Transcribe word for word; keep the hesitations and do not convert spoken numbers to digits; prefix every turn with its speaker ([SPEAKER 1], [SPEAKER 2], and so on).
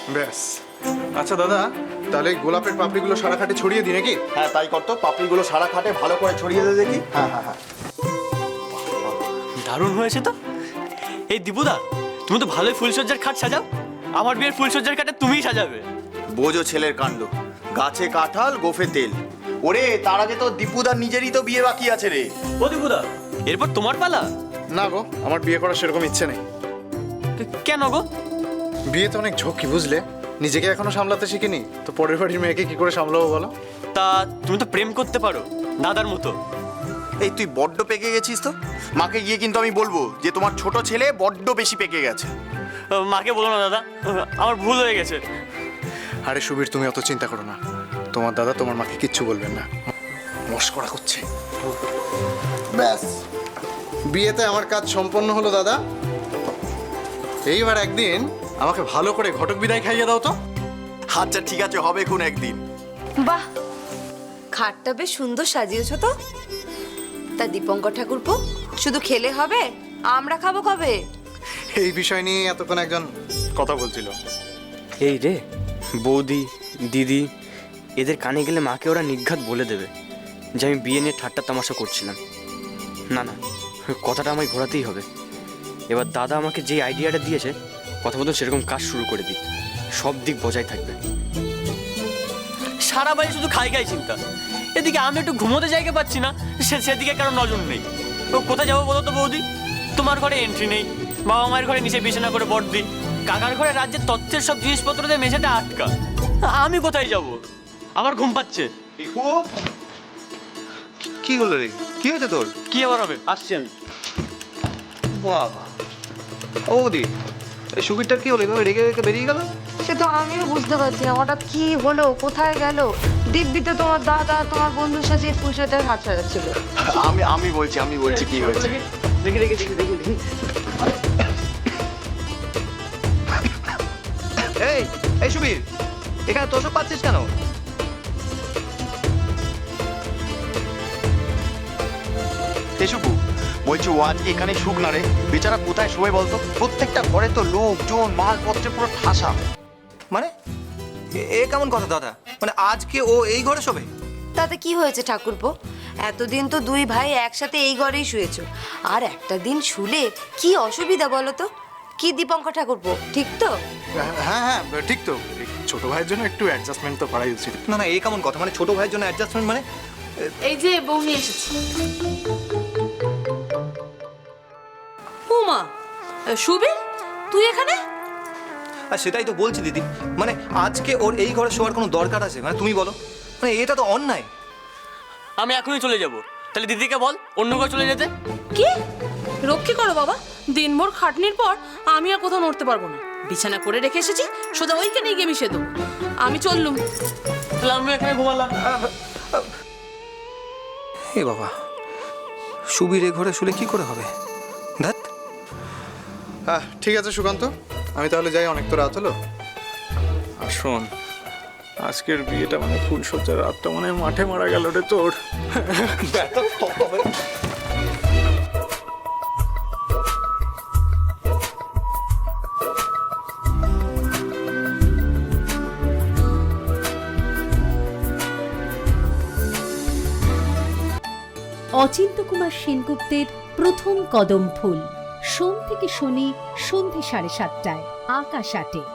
[SPEAKER 1] ব্যাস। আচ্ছা দাদা, তাহলে গোলাপের পাপড়িগুলো সারা খাটে ছড়িয়ে দিই নাকি?
[SPEAKER 2] হ্যাঁ তাই করতো, পাপড়িগুলো সারা খাটে ভালো করে ছড়িয়ে দে দেখি। হ্যাঁ হ্যাঁ হ্যাঁ
[SPEAKER 3] দারুণ হয়েছে তো। এই দীপুদা, তুমি তো ভালোই ফুলসজ্জার খাট সাজাও। আমার বিয়ের ফুলসজ্জার খাটে তুমিই সাজাবে।
[SPEAKER 2] বোঝো ছেলের কাণ্ড, গাছে কাঁঠাল গোফে তেল। ওরে তার আগে তো দীপুদার নিজেরই তো বিয়ে বাকি আছে রে।
[SPEAKER 3] ও দীপুদা, এরপর তোমার পালা?
[SPEAKER 1] না গো, আমার বিয়ে করার সেরকম ইচ্ছে নেই।
[SPEAKER 3] কেন গো?
[SPEAKER 1] বিয়েতে অনেক ঝক্কি, বুঝলে? নিজেকে এখনো সামলাতে শিখিনি, তো পরের বাড়ির মেয়েকে কি করে সামলাবো বলো?
[SPEAKER 3] তা তুমি তো প্রেম করতে পারো দাদার মতো।
[SPEAKER 2] এই তুই বড্ড পেকে গেছিস তো। মাকে গিয়ে কিন্তু আমি বলবো যে তোমার ছোট ছেলে বড্ড বেশি পেকে গেছে।
[SPEAKER 3] মাকে বলো না দাদা, আমার ভুল হয়ে গেছে।
[SPEAKER 1] আরে সুবীর, তুমি অত চিন্তা করো না। তোমার দাদা তোমার মাকে কিচ্ছু বলবেন না। মস্করা করছে। ব্যাস, বিয়েতে আমার কাজ সম্পন্ন হলো দাদা। এইবার একদিন আমাকে ভালো করে ঘটক বিদায় খাইয়ে দাও তো।
[SPEAKER 2] আচ্ছা ঠিক আছে, হবে কোন একদিন।
[SPEAKER 4] বাহ, খাটটা বেশ সুন্দর সাজিয়েছো তো। তা দীপঙ্কর ঠাকুরপো, শুধু খেলে হবে? আমরা খাবো কবে?
[SPEAKER 1] এই বিষয় নিয়ে এতক্ষণ একজন কথা বলছিল।
[SPEAKER 3] এই রে, বৌদি দিদি এদের কানে গেলে মাকে ওরা নির্ঘাত বলে দেবে যে আমি বিয়ে নিয়ে ঠাট্টা তামাশা করছিলাম। না না, কথাটা আমায় ঘোরাতেই হবে। এবার দাদা আমাকে যে আইডিয়াটা দিয়েছে, কথা মতো সেরকম কাজ শুরু করে দিই। সব দিক বজায় থাকবে। সারা বাড়ি শুধু খাই খাই চিন্তা। এদিকে আমি একটু ঘুমোতে জায়গা পাচ্ছি না, সে সেদিকে কারো নজর নেই। ও কোথায় যাবো বলো তো বৌদি? তোমার ঘরে এন্ট্রি নেই, বাবা মায়ের ঘরে নিচে বিছানা করে বড়দি, কাকার ঘরে রাজ্যের তথ্যের সব জিনিসপত্র দিয়ে মেঝেটা আটকা। আমি কোথায় যাব? আমার ঘুম পাচ্ছে।
[SPEAKER 5] কি হলো রে? কি হয়েছে তোর?
[SPEAKER 3] কি আবার হবে? আসছি আমি।
[SPEAKER 5] বাবা, ও দি, এই সুবীরটা কি হলো? এভাবে রেগে রেগে বেরিয়ে গেল?
[SPEAKER 4] সে তো আমিও বুঝতে পারছি না হঠাৎ কি হলো, কোথায় গেল। দিব্যিতে তোমার দাদা তোমার বন্ধুর সাথে পুজোতে হাত সাজাচ্ছিল।
[SPEAKER 2] আমি আমি বলছি আমি বলছি কি হয়েছে।
[SPEAKER 3] দেখি দেখি দেখি দেখি দেখি।
[SPEAKER 5] এই এই সুবীর, এখানে তোষক পাচ্ছিস কেন?
[SPEAKER 2] এসুকু বলছি, ও আজকে এখানে শুক না রে। বেচারা কোথায় শোবে বলতো? প্রত্যেকটা ঘরে তো লোকজন মালপত্রে পুরো ঠাসা।
[SPEAKER 5] মানে এ- এ কেমন কথা দাদা? মানে আজকে ও এই ঘরে শোবে?
[SPEAKER 4] তাতে কি হয়েছে ঠাকুরপো? এতদিন তো দুই ভাই একসাথে এই ঘরেই শুয়েছো, আর একটা দিন শুলে কি অসুবিধা বলো তো? কি দীপঙ্কর ঠাকুরপো, ঠিক তো?
[SPEAKER 1] হ্যাঁ হ্যাঁ ঠিক তো। এই ছোট ভাইয়ের জন্য একটু অ্যাডজাস্টমেন্ট তো করাই উচিত।
[SPEAKER 5] না না, এ কেমন কথা? মানে ছোট ভাইয়ের জন্য অ্যাডজাস্টমেন্ট মানে?
[SPEAKER 6] এই যে বউ নিয়ে এসেছি। উমা, সুবীর তুই এখানে?
[SPEAKER 5] আর সেটাই তো বলছি দিদি, মানে আজকে ওর এই ঘরে শোয়ার কোনো দরকার আছে? মানে তুমি বলো, মানে এটা তো অন্যায়।
[SPEAKER 3] আমি এখনই চলে যাব। তাহলে দিদিকে বল অন্য ঘরে চলে যেতে।
[SPEAKER 6] কি রক্ষী করো বাবা, দিনভর খাটনির পর আমি আর কোথাও নড়তে পারবো না। বিছানা করে রেখে এসেছি, সোজা ওইখানেই গিয়ে মিশে দেবো। আমি চললুম।
[SPEAKER 3] তাহলে আমি এখানে ঘুমালাম।
[SPEAKER 5] এ বাবা, সুবীর এ ঘরে শুলে কি করে হবে? ধ্যাত।
[SPEAKER 1] হ্যাঁ ঠিক আছে সুকান্ত, আমি তাহলে যাই, অনেক তো রাত হলো। আর শোন, আজকের বিয়েটা মানে ফুলসজ্জার রাতটা মানে মাঠে মারা গেল রে তোর।
[SPEAKER 7] অচিন্ত্যকুমার সেনগুপ্তের প্রথম কদম ফুল, সোম থেকে শনি সন্ধে সাড়ে সাতটায়, আকাশ আটে।